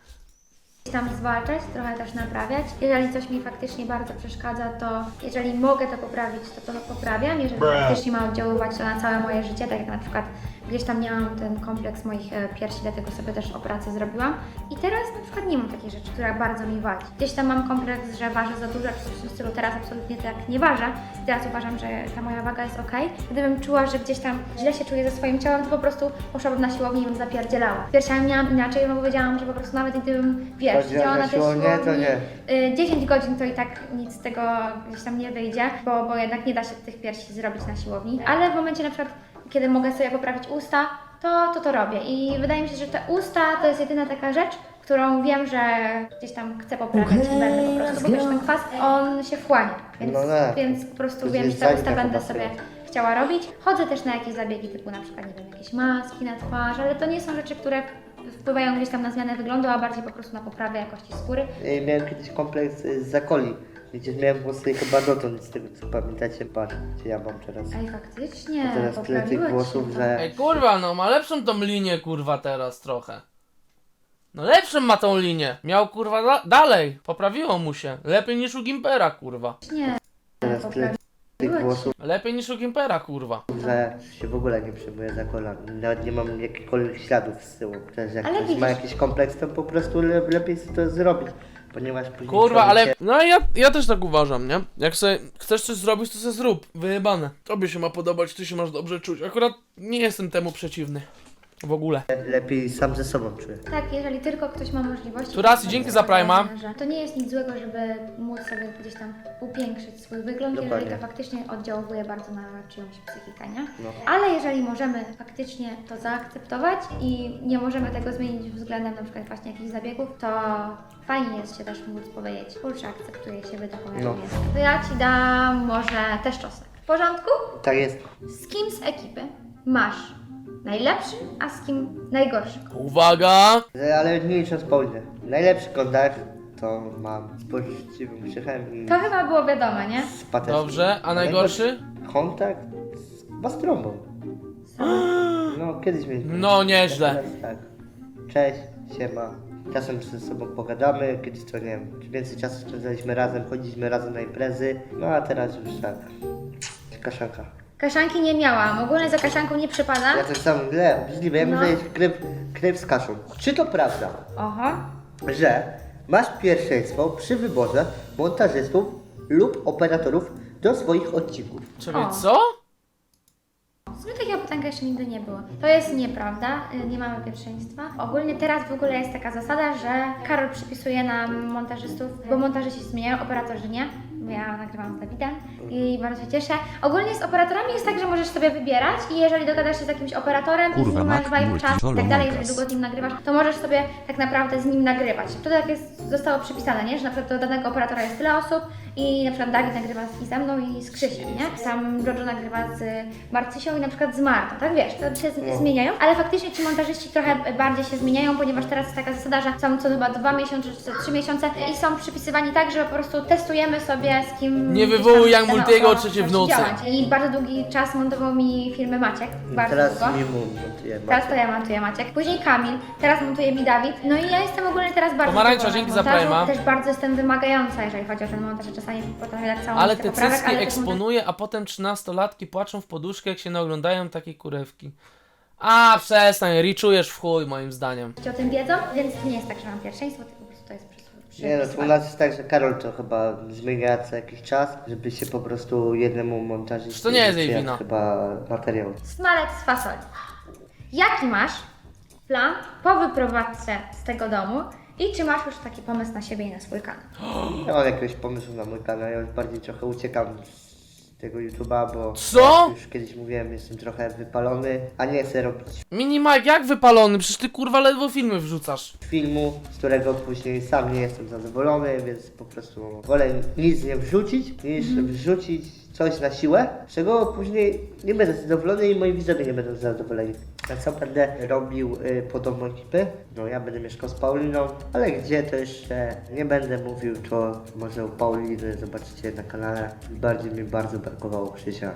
[SPEAKER 3] tam zwalczać, trochę też naprawiać. Jeżeli coś mi faktycznie bardzo przeszkadza, to jeżeli mogę to poprawić, to to poprawiam. Jeżeli faktycznie ma oddziaływać to na całe moje życie, tak jak na przykład gdzieś tam miałam ten kompleks moich e, piersi, dlatego sobie też operację zrobiłam. I teraz na przykład nie mam takiej rzeczy, która bardzo mi wadzi. Gdzieś tam mam kompleks, że ważę za dużo, czy coś w tym stylu. Teraz absolutnie tak nie ważę. Teraz uważam, że ta moja waga jest ok. Gdybym czuła, że gdzieś tam źle się czuję ze swoim ciałem, to po prostu poszłabym na siłownię i bym zapierdzielała. Z piersiami miałam inaczej, bo powiedziałam, że po prostu nawet gdybym, wiesz,
[SPEAKER 2] Chodzi o
[SPEAKER 3] siedziała na tej
[SPEAKER 2] siłownię,
[SPEAKER 3] siłowni
[SPEAKER 2] to nie.
[SPEAKER 3] y, dziesięć godzin, to i tak nic z tego gdzieś tam nie wyjdzie, bo, bo jednak nie da się tych piersi zrobić na siłowni. Ale w momencie na przykład, kiedy mogę sobie poprawić usta, to to, to robię. I wydaje mi się, że te usta to jest jedyna taka rzecz, którą wiem, że gdzieś tam chcę poprawiać i będę po prostu, bo wiesz, ten kwas, on się wchłania, więc,
[SPEAKER 2] No tak.
[SPEAKER 3] więc po prostu
[SPEAKER 2] To
[SPEAKER 3] wiem, że
[SPEAKER 2] jest
[SPEAKER 3] te usta
[SPEAKER 2] zanika
[SPEAKER 3] będę
[SPEAKER 2] chyba
[SPEAKER 3] sobie
[SPEAKER 2] sobie.
[SPEAKER 3] chciała robić. Chodzę też na jakieś zabiegi typu na przykład, nie wiem, jakieś maski na twarz, ale to nie są rzeczy, które wpływają gdzieś tam na zmianę wyglądu, a bardziej po prostu na poprawę jakości skóry.
[SPEAKER 2] Y, Miałem kiedyś kompleks y, z zakoli, gdzie miałem włosy chyba dotąd, z tego co pamiętacie, patrz, gdzie ja mam teraz.
[SPEAKER 3] Ej, faktycznie,
[SPEAKER 2] A teraz tyle tych
[SPEAKER 3] poprawiłeś
[SPEAKER 2] włosów,
[SPEAKER 3] się.
[SPEAKER 2] że...
[SPEAKER 1] Ej kurwa, no ma lepszą tą linię kurwa teraz trochę. No lepszą ma tą linię. Miał kurwa da dalej. Poprawiło mu się. Lepiej niż u Gimpera kurwa.
[SPEAKER 3] Nie,
[SPEAKER 2] Teraz tyle tych
[SPEAKER 3] poprawiłeś
[SPEAKER 2] włosów,
[SPEAKER 1] Lepiej niż u Gimpera kurwa.
[SPEAKER 2] że się w ogóle nie przejmuję za kolan. Nawet nie mam jakichkolwiek śladów z tyłu. Też jak
[SPEAKER 3] Ale
[SPEAKER 2] ktoś
[SPEAKER 3] widzisz-
[SPEAKER 2] ma jakiś kompleks, to po prostu le lepiej sobie to zrobić. Ponieważ później
[SPEAKER 1] Kurwa,
[SPEAKER 2] człowiek
[SPEAKER 1] ale.
[SPEAKER 2] się-
[SPEAKER 1] No ja, ja też tak uważam, nie? Jak sobie chcesz coś zrobić, to sobie zrób. Wyjebane. Tobie się ma podobać, ty się masz dobrze czuć. Akurat nie jestem temu przeciwny. w ogóle.
[SPEAKER 2] Lepiej sam ze sobą czuję.
[SPEAKER 3] Tak, jeżeli tylko ktoś ma możliwości.
[SPEAKER 1] Tu raz i
[SPEAKER 3] to
[SPEAKER 1] dzięki
[SPEAKER 3] jest
[SPEAKER 1] za Prima.
[SPEAKER 3] ważne, że To nie jest nic złego, żeby móc sobie gdzieś tam upiększyć swój wygląd, jeżeli
[SPEAKER 2] Dokładnie.
[SPEAKER 3] to faktycznie oddziałuje bardzo na czyjąś psychikę, nie?
[SPEAKER 2] No.
[SPEAKER 3] Ale jeżeli możemy faktycznie to zaakceptować i nie możemy tego zmienić względem na przykład właśnie jakichś zabiegów, to fajnie jest się też móc powiedzieć, kurczę, akceptuję siebie taką, jaką
[SPEAKER 2] No.
[SPEAKER 3] jestem. To ja Ci dam może też czosnek. W porządku?
[SPEAKER 2] Tak jest.
[SPEAKER 3] Z kim z ekipy masz najlepszy, a z kim najgorszy?
[SPEAKER 1] Uwaga!
[SPEAKER 2] E, Ale nie licząc Paulinę. Najlepszy kontakt to mam z poczciwym Krzychem i
[SPEAKER 3] To chyba było wiadome, nie?
[SPEAKER 2] z Pateckim.
[SPEAKER 1] Dobrze, a najgorszy?
[SPEAKER 2] Kontakt z Bastrąbą. No, kiedyś mieliśmy.
[SPEAKER 1] No, nieźle.
[SPEAKER 2] Teraz tak. Cześć, siema. Czasem ze sobą pogadamy, kiedyś to nie wiem, więcej czasu spędzaliśmy razem, chodziliśmy razem na imprezy, no a teraz już tak. Kaszanka.
[SPEAKER 3] Kaszanki nie miałam, ogólnie za kaszanką nie przypada.
[SPEAKER 2] Ja tak samo, źle, obrzydliwe, ja
[SPEAKER 3] No.
[SPEAKER 2] muszę jeść krew, krew z kaszą. Czy to prawda,
[SPEAKER 3] Oho.
[SPEAKER 2] że masz pierwszeństwo przy wyborze montażystów lub operatorów do swoich odcinków?
[SPEAKER 1] Czekaj,
[SPEAKER 3] O.
[SPEAKER 1] co?
[SPEAKER 3] W sumie takiego pytanka jeszcze nigdy nie było. To jest nieprawda, y, nie mamy pierwszeństwa. Ogólnie teraz w ogóle jest taka zasada, że Karol przypisuje nam montażystów, bo montażyści się zmieniają, operatorzy nie. Bo ja nagrywam z Dawidem i bardzo się cieszę. Ogólnie z operatorami jest tak, że możesz sobie wybierać i jeżeli dogadasz się z jakimś operatorem i z
[SPEAKER 4] Kurwa,
[SPEAKER 3] nim masz
[SPEAKER 4] Mac
[SPEAKER 3] vibe czas i
[SPEAKER 4] multi-solo
[SPEAKER 3] tak dalej,
[SPEAKER 4] montaż.
[SPEAKER 3] jeżeli długo z nim nagrywasz, to możesz sobie tak naprawdę z nim nagrywać. To tak jest, zostało przypisane, nie? Że na przykład do danego operatora jest tyle osób i na przykład Dawid nagrywa i ze mną i z Krzysiem, nie? Tam Jojo nagrywa z Marcysią i na przykład z Martą, tak wiesz, to się z- zmieniają, ale faktycznie ci montażyści trochę bardziej się zmieniają, ponieważ teraz jest taka zasada, że są co chyba dwa miesiące czy co trzy miesiące i są przypisywani tak, że po prostu testujemy sobie z kim
[SPEAKER 1] Nie
[SPEAKER 3] gdzieś tam
[SPEAKER 1] wywołuj jak
[SPEAKER 3] dana
[SPEAKER 1] Multiego
[SPEAKER 3] osoba
[SPEAKER 1] o trzeciej w
[SPEAKER 3] zacznie
[SPEAKER 1] nocy.
[SPEAKER 3] działać. I bardzo długi czas montował mi filmy Maciek, bardzo
[SPEAKER 2] Teraz
[SPEAKER 3] długo.
[SPEAKER 2] mi montuję.
[SPEAKER 3] Teraz to ja montuję Maciek, później Kamil, teraz montuje mi Dawid. No i ja jestem ogólnie teraz bardzo
[SPEAKER 1] Pomarańcza,
[SPEAKER 3] zadowolona
[SPEAKER 1] dzięki
[SPEAKER 3] z
[SPEAKER 1] za
[SPEAKER 3] montażu.
[SPEAKER 1] Prima.
[SPEAKER 3] Też bardzo jestem wymagająca, jeżeli chodzi o ten montaż, że czasami potrafię dać całą
[SPEAKER 1] Ale
[SPEAKER 3] listę
[SPEAKER 1] te
[SPEAKER 3] poprawek,
[SPEAKER 1] cycki
[SPEAKER 3] ale też
[SPEAKER 1] eksponuje, a potem trzynastolatki płaczą w poduszkę, jak się naoglądają takiej kurewki. A, przestań, riczujesz w chuj, moim zdaniem.
[SPEAKER 3] montażyści o tym wiedzą, więc to nie jest tak, że mam pierwszeństwo, tylko po prostu to jest przy, przy
[SPEAKER 2] Nie no, to u nas jest tak, że Karol to chyba zmienia co jakiś czas, żeby się po prostu jednemu montażyście...
[SPEAKER 1] To nie jest jej
[SPEAKER 2] przyjadł
[SPEAKER 1] wina.
[SPEAKER 2] chyba materiał.
[SPEAKER 3] Smalec z fasoli. Jaki masz plan po wyprowadzce z tego domu i czy masz już taki pomysł na siebie i na swój kanał?
[SPEAKER 2] Ja mam jakiegoś pomysłu na mój kanał, ja już bardziej trochę uciekam z tego YouTube'a, bo
[SPEAKER 1] Co?
[SPEAKER 2] jak już kiedyś mówiłem, jestem trochę wypalony, a nie chcę robić
[SPEAKER 1] Mini Mike, jak wypalony? Przecież ty kurwa ledwo filmy wrzucasz.
[SPEAKER 2] filmu, z którego później sam nie jestem zadowolony, więc po prostu wolę nic nie wrzucić, niż wrzucić coś na siłę, z czego później nie będę zadowolony i moi widzowie nie będą zadowoleni. A co będę robił y, podobną ekipę? No ja będę mieszkał z Pauliną, ale gdzie to jeszcze nie będę mówił, to może u Pauliny zobaczycie na kanale. Bardziej mi bardzo brakowało Krzysia.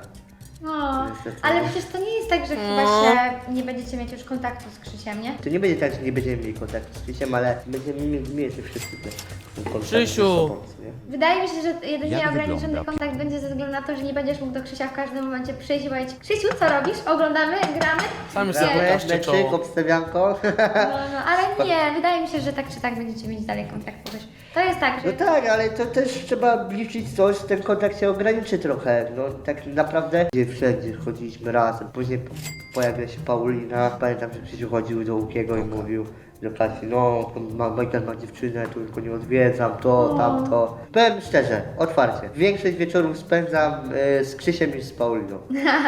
[SPEAKER 3] No,
[SPEAKER 2] Niestety.
[SPEAKER 3] ale przecież to nie jest tak, że chyba
[SPEAKER 1] No.
[SPEAKER 3] się nie będziecie mieć już kontaktu z Krzysiem, nie?
[SPEAKER 2] To nie będzie tak, że nie będziemy mieli kontaktu z Krzysiem, ale będziemy mieli mieli wszyscy te kontakt
[SPEAKER 1] Krzysiu!
[SPEAKER 2] ze sobą, nie?
[SPEAKER 3] Wydaje mi się, że jedynie
[SPEAKER 4] Jak
[SPEAKER 3] ograniczony
[SPEAKER 4] wygląda?
[SPEAKER 3] kontakt będzie ze względu na to, że nie będziesz mógł do Krzysia w każdym momencie przyjść i powiedzieć: Krzysiu, co robisz? Oglądamy? Gramy?
[SPEAKER 1] Sam już
[SPEAKER 3] Nie.
[SPEAKER 1] sobie
[SPEAKER 2] Gramy,
[SPEAKER 1] pokażcie
[SPEAKER 2] meczyk,
[SPEAKER 1] czoło.
[SPEAKER 2] obstawianko.
[SPEAKER 3] No, no, ale nie, wydaje mi się, że tak czy tak będziecie mieć dalej kontakt. Bo też to jest tak, że
[SPEAKER 2] No tak, ale to też trzeba liczyć coś, ten kontakt się ograniczy trochę. No tak naprawdę gdzie wszędzie chodziliśmy razem. Później po- pojawia się Paulina. Pamiętam, że Krzysiu chodził do Łukiego i mówił do Kasi, no ma, Michael ma dziewczynę, tu tylko nie odwiedzam, to, tamto. Powiem szczerze, otwarcie. Większość wieczorów spędzam y, z Krzysiem niż z Pauliną.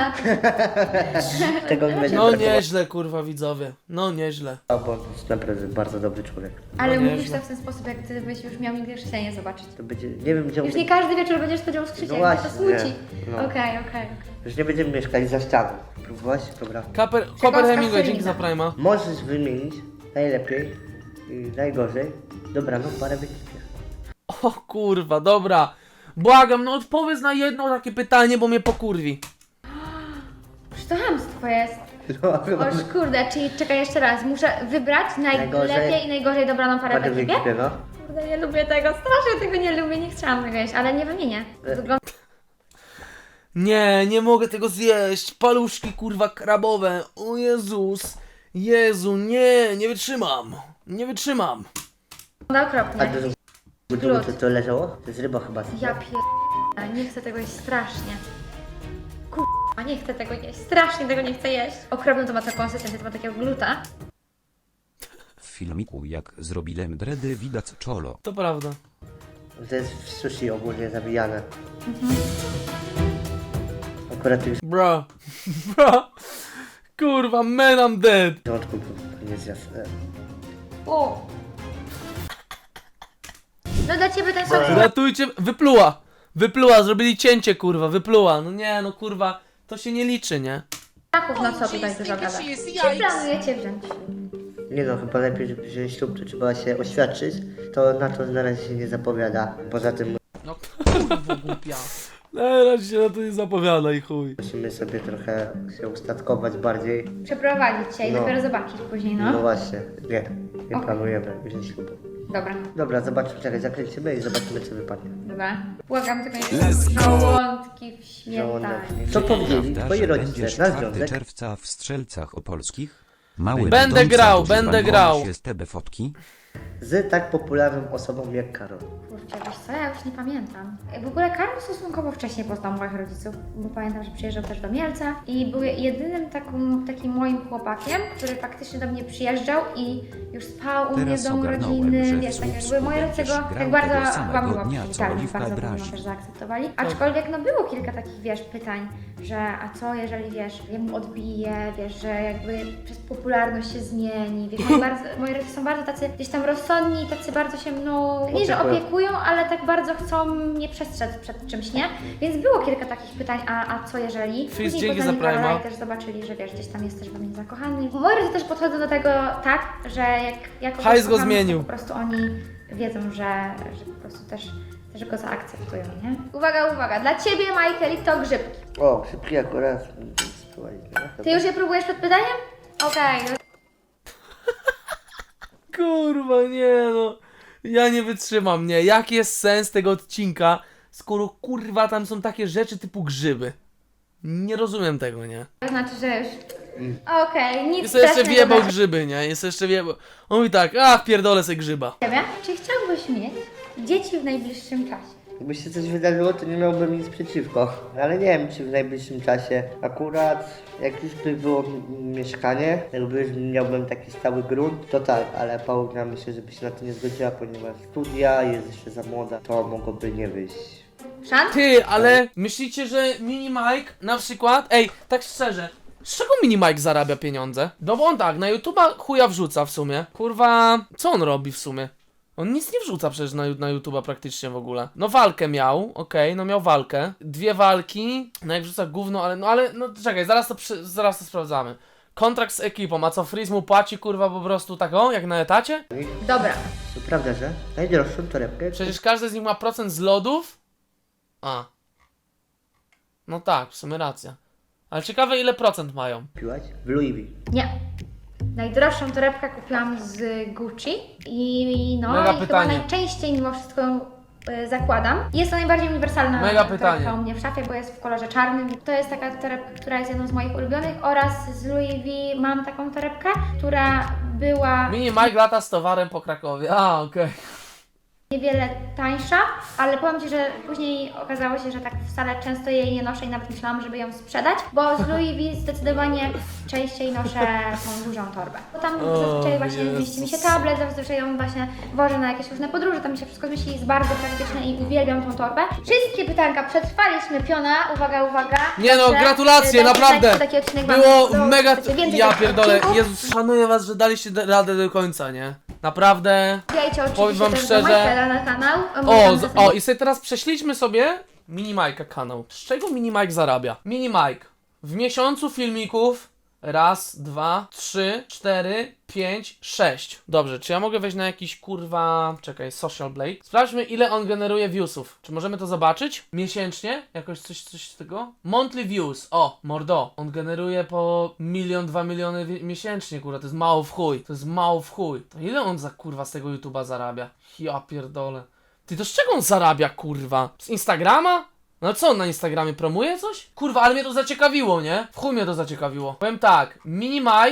[SPEAKER 2] Tego nie będzie
[SPEAKER 1] No
[SPEAKER 2] brakowało,
[SPEAKER 1] nieźle kurwa widzowie, no nieźle.
[SPEAKER 2] bo to jest naprawdę bardzo dobry człowiek.
[SPEAKER 3] ale
[SPEAKER 1] No
[SPEAKER 3] mówisz
[SPEAKER 1] nieźle.
[SPEAKER 3] to w ten sposób, jak gdybyś już miał nigdy Krzysia nie zobaczyć.
[SPEAKER 2] To będzie, nie wiem gdzie on
[SPEAKER 3] Już nie każdy wieczór będziesz spędzał z Krzysiem,
[SPEAKER 2] No
[SPEAKER 3] to
[SPEAKER 2] właśnie,
[SPEAKER 3] smuci.
[SPEAKER 2] no.
[SPEAKER 3] Okej, okej.
[SPEAKER 2] Już nie będziemy mieszkali za ścianą. Próbować? Dobra.
[SPEAKER 1] Kaper, Koper
[SPEAKER 3] z
[SPEAKER 1] Hemingway, dzięki
[SPEAKER 3] Kasolina.
[SPEAKER 1] za Prima.
[SPEAKER 2] Możesz wymienić najlepiej i najgorzej dobraną parę w ekipie.
[SPEAKER 1] O kurwa, dobra. Błagam, no odpowiedz na jedno takie pytanie, bo mnie pokurwi.
[SPEAKER 3] Przecież to hamstwo jest.
[SPEAKER 2] No, chyba
[SPEAKER 3] Oż kurde, czyli czekaj jeszcze raz, muszę wybrać najlepiej
[SPEAKER 2] Najgorzej.
[SPEAKER 3] i najgorzej dobraną parę w
[SPEAKER 2] parę w
[SPEAKER 3] ekipie?
[SPEAKER 2] ekipie, no.
[SPEAKER 3] Kurde, nie lubię tego, strasznie tego nie lubię, nie chciałam tego jeść, ale nie wymienię. Wygląda
[SPEAKER 1] Nie, nie mogę tego zjeść. Paluszki kurwa krabowe. O Jezus. Jezu, nie, nie wytrzymam. Nie wytrzymam.
[SPEAKER 2] A
[SPEAKER 3] okropnie.
[SPEAKER 2] to, to, to, to leżało? To jest ryba chyba.
[SPEAKER 3] Ja pier... nie chcę tego jeść strasznie. Kur... A nie chcę tego jeść, strasznie tego nie chcę jeść. Okropną to ma taką konsystencję, to ma takiego gluta.
[SPEAKER 4] W filmiku jak zrobiłem dredy widać czolo.
[SPEAKER 1] To prawda.
[SPEAKER 2] To jest w sushi ogólnie zawijane. Akurat już
[SPEAKER 1] Bro. Bro. Kurwa, man I'm dead.
[SPEAKER 2] w porządku nie zjadł.
[SPEAKER 3] O. No dla ciebie ten sos
[SPEAKER 1] Ratujcie, wypluła. Wypluła, zrobili cięcie, kurwa, wypluła. No nie, no kurwa, to się nie liczy, nie?
[SPEAKER 3] braków na co tutaj dużo gada. Czy planujecie wziąć?
[SPEAKER 2] Nie no, chyba lepiej, żeby wziąć ślub, to trzeba się oświadczyć. To na to na razie się nie zapowiada. Poza tym
[SPEAKER 1] No kurwa, głupia. Na razie się na to nie zapowiada i chuj.
[SPEAKER 2] musimy sobie trochę się ustatkować bardziej.
[SPEAKER 3] Przeprowadzić się i
[SPEAKER 2] No.
[SPEAKER 3] dopiero zobaczyć później,
[SPEAKER 2] No,
[SPEAKER 3] no.
[SPEAKER 2] właśnie, nie, nie
[SPEAKER 3] Okej.
[SPEAKER 2] planujemy wziąć ślubu.
[SPEAKER 3] Dobra,
[SPEAKER 2] Dobra, zobaczmy, czekaj, zakręcimy i zobaczymy, co wypadnie.
[SPEAKER 3] dobra. Błagam tylko nie żołądki w śmietanie.
[SPEAKER 2] Co powiedzieli
[SPEAKER 4] Prawda,
[SPEAKER 2] twoi
[SPEAKER 4] że
[SPEAKER 2] rodzice
[SPEAKER 4] będziesz
[SPEAKER 2] na
[SPEAKER 4] czwartego
[SPEAKER 2] związek?
[SPEAKER 4] czerwca w Strzelcach Opolskich? Mały
[SPEAKER 1] Będę
[SPEAKER 4] będąca
[SPEAKER 1] grał,
[SPEAKER 4] używa
[SPEAKER 1] będę
[SPEAKER 4] nową
[SPEAKER 1] grał.
[SPEAKER 4] się z tebe fotki?
[SPEAKER 2] Z tak popularną osobą jak Karol.
[SPEAKER 3] Kurczę, wiesz co, ja już nie pamiętam. W ogóle Karol stosunkowo wcześniej poznał moich rodziców, bo pamiętam, że przyjeżdżał też do Mielca i był jedynym taką, takim moim chłopakiem, który faktycznie do mnie przyjeżdżał i już spał u mnie w
[SPEAKER 4] Teraz
[SPEAKER 3] domu
[SPEAKER 4] ogarnąłem,
[SPEAKER 3] rodziny,
[SPEAKER 4] że
[SPEAKER 3] wiesz,
[SPEAKER 4] w
[SPEAKER 3] tak jakby
[SPEAKER 4] Słupsku
[SPEAKER 3] moi rodzice go
[SPEAKER 4] będziesz
[SPEAKER 3] tak
[SPEAKER 4] grał
[SPEAKER 3] bardzo
[SPEAKER 4] tego samego
[SPEAKER 3] chyba miło
[SPEAKER 4] dnia, co
[SPEAKER 3] przywitali,
[SPEAKER 4] Oliwka
[SPEAKER 3] bardzo
[SPEAKER 4] Brazi.
[SPEAKER 3] mocno też zaakceptowali. Aczkolwiek no było kilka takich, wiesz, pytań, że a co jeżeli, wiesz, jemu odbije, wiesz, że jakby przez popularność się zmieni, wiesz, moi, bardzo, moi rodzice są bardzo tacy gdzieś tam rozsądni, tacy bardzo się mną, nie że
[SPEAKER 2] Opiekują.
[SPEAKER 3] opiekują, ale tak bardzo chcą mnie przestrzec przed czymś, nie? Więc było kilka takich pytań, a, a co jeżeli?
[SPEAKER 1] Fizz,
[SPEAKER 3] Później
[SPEAKER 1] dzięki
[SPEAKER 3] poznali
[SPEAKER 1] za Prima.
[SPEAKER 3] Karola i też zobaczyli, że wiesz, gdzieś tam jest też we mnie zakochany. Moi rodzice też podchodzą do tego tak, że jak, jak kogoś
[SPEAKER 1] Hajs go
[SPEAKER 3] kochamy, to
[SPEAKER 1] zmienił.
[SPEAKER 3] po prostu oni wiedzą, że, że po prostu też, też go zaakceptują, nie? Uwaga, uwaga, dla Ciebie, Michael, to grzybki.
[SPEAKER 2] O, szybki akurat. Spróbować, nie?
[SPEAKER 3] Ty już je próbujesz przed pytaniem? Okej, no
[SPEAKER 1] Kurwa, nie no. Ja nie wytrzymam, nie. Jaki jest sens tego odcinka, skoro kurwa tam są takie rzeczy typu grzyby? Nie rozumiem tego, nie.
[SPEAKER 3] to znaczy, że już... Okej, nic
[SPEAKER 1] Jest jeszcze
[SPEAKER 3] strasznego
[SPEAKER 1] wjebał
[SPEAKER 3] dla
[SPEAKER 1] grzyby, nie? Jest jeszcze wjebał. On mówi tak, ach, pierdolę se grzyba.
[SPEAKER 3] Ciebie. Czy chciałbyś mieć dzieci w najbliższym czasie?
[SPEAKER 2] Jakby się coś wydarzyło, to nie miałbym nic przeciwko. Ale nie wiem, czy w najbliższym czasie. Akurat, jak już by było m- mieszkanie, jakby już miałbym taki stały grunt, to tak, ale Paulina myślę, żeby się na to nie zgodziła, ponieważ studia, jest jeszcze za młoda, to mogłoby nie wyjść.
[SPEAKER 3] Szans?
[SPEAKER 1] Ty, ale myślicie, że Mini Mike na przykład, ej, tak szczerze, z czego Mini Mike zarabia pieniądze? No bo on tak, na YouTube'a chuja wrzuca w sumie. Kurwa, co on robi w sumie? On nic nie wrzuca przecież na, na YouTube'a praktycznie w ogóle. No walkę miał, okej, no miał walkę. Dwie walki, no jak wrzuca gówno, ale no ale, no czekaj, zaraz to, przy, zaraz to sprawdzamy. Kontrakt z ekipą, a co Freeze mu płaci kurwa po prostu taką, jak na etacie?
[SPEAKER 3] Dobra.
[SPEAKER 2] To prawda, że najdroższą torebkę
[SPEAKER 1] Przecież każdy z nich ma procent z lodów? A. No tak, w sumie racja. Ale ciekawe ile procent mają.
[SPEAKER 2] kupiłaś w Louis V.
[SPEAKER 3] Nie. Najdroższą torebkę kupiłam z Gucci i no
[SPEAKER 1] Mega
[SPEAKER 3] i
[SPEAKER 1] pytanie.
[SPEAKER 3] chyba najczęściej mimo wszystko ją y, zakładam. Jest to najbardziej uniwersalna
[SPEAKER 1] Mega
[SPEAKER 3] torebka
[SPEAKER 1] pytanie.
[SPEAKER 3] u mnie w szafie, bo jest w kolorze czarnym. To jest taka torebka, która jest jedną z moich ulubionych oraz z Louis V mam taką torebkę, która była
[SPEAKER 1] Mini Mike lata z towarem po Krakowie. A, okej.
[SPEAKER 3] niewiele tańsza, ale powiem Ci, że później okazało się, że tak wcale często jej nie noszę i nawet myślałam, żeby ją sprzedać, bo z Louis V zdecydowanie częściej noszę tą dużą torbę. Bo tam
[SPEAKER 1] O,
[SPEAKER 3] zazwyczaj właśnie
[SPEAKER 1] Jezus.
[SPEAKER 3] mieści mi się tablet, zazwyczaj ją właśnie wożę na jakieś różne podróże, tam mi się wszystko zmieści, jest bardzo praktyczne i uwielbiam tą torbę. Wszystkie pytanka przetrwaliśmy, piona, uwaga, uwaga.
[SPEAKER 1] Nie no,
[SPEAKER 3] Także,
[SPEAKER 1] gratulacje,
[SPEAKER 3] y, dajcie
[SPEAKER 1] naprawdę.
[SPEAKER 3] znać, czy taki odcinek Wam
[SPEAKER 1] Było
[SPEAKER 3] podobał,
[SPEAKER 1] mega...
[SPEAKER 3] czy chcecie więcej
[SPEAKER 1] Ja
[SPEAKER 3] takich
[SPEAKER 1] pierdolę,
[SPEAKER 3] odcinków.
[SPEAKER 1] Jezus, szanuję was, że daliście radę do końca, nie? Naprawdę.
[SPEAKER 3] Wbijajcie
[SPEAKER 1] Powiem
[SPEAKER 3] oczywiście
[SPEAKER 1] wam
[SPEAKER 3] też
[SPEAKER 1] szczerze-
[SPEAKER 3] do Michaela na kanał.
[SPEAKER 1] O, z, o i sobie teraz prześlijmy sobie Mini Mike'a kanał. Z czego Mini Mike zarabia? Mini Mike w miesiącu filmików raz, dwa, trzy, cztery, pięć, sześć. Dobrze, czy ja mogę wejść na jakiś kurwa... Czekaj, Social Blade. Sprawdźmy ile on generuje viewsów. Czy możemy to zobaczyć? Miesięcznie? Jakoś coś, coś z tego? Monthly views. O, mordo. On generuje po milion, dwa miliony wi- miesięcznie, kurwa. To jest mało w chuj. To jest mało w chuj. To ile on za kurwa z tego YouTube'a zarabia? Ja pierdolę. Ty to z czego on zarabia, kurwa? Z Instagrama? No co, on na Instagramie promuje coś? Kurwa, ale mnie to zaciekawiło, nie? W chuj mnie to zaciekawiło. Powiem tak, Mini Mike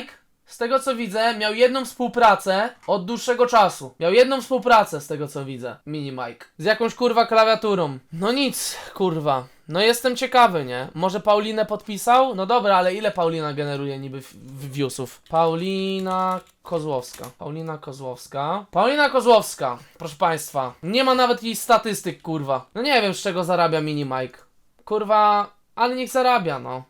[SPEAKER 1] z tego co widzę, miał jedną współpracę od dłuższego czasu. Miał jedną współpracę z tego co widzę. Mini Mike. Z jakąś kurwa klawiaturą. No nic, kurwa. No jestem ciekawy, nie? Może Paulinę podpisał? No dobra, ale ile Paulina generuje niby w- w- viewsów? Paulina Kozłowska. Paulina Kozłowska. Paulina Kozłowska. Proszę państwa. Nie ma nawet jej statystyk, kurwa. No nie wiem z czego zarabia Mini Mike. Kurwa, ale niech zarabia, no.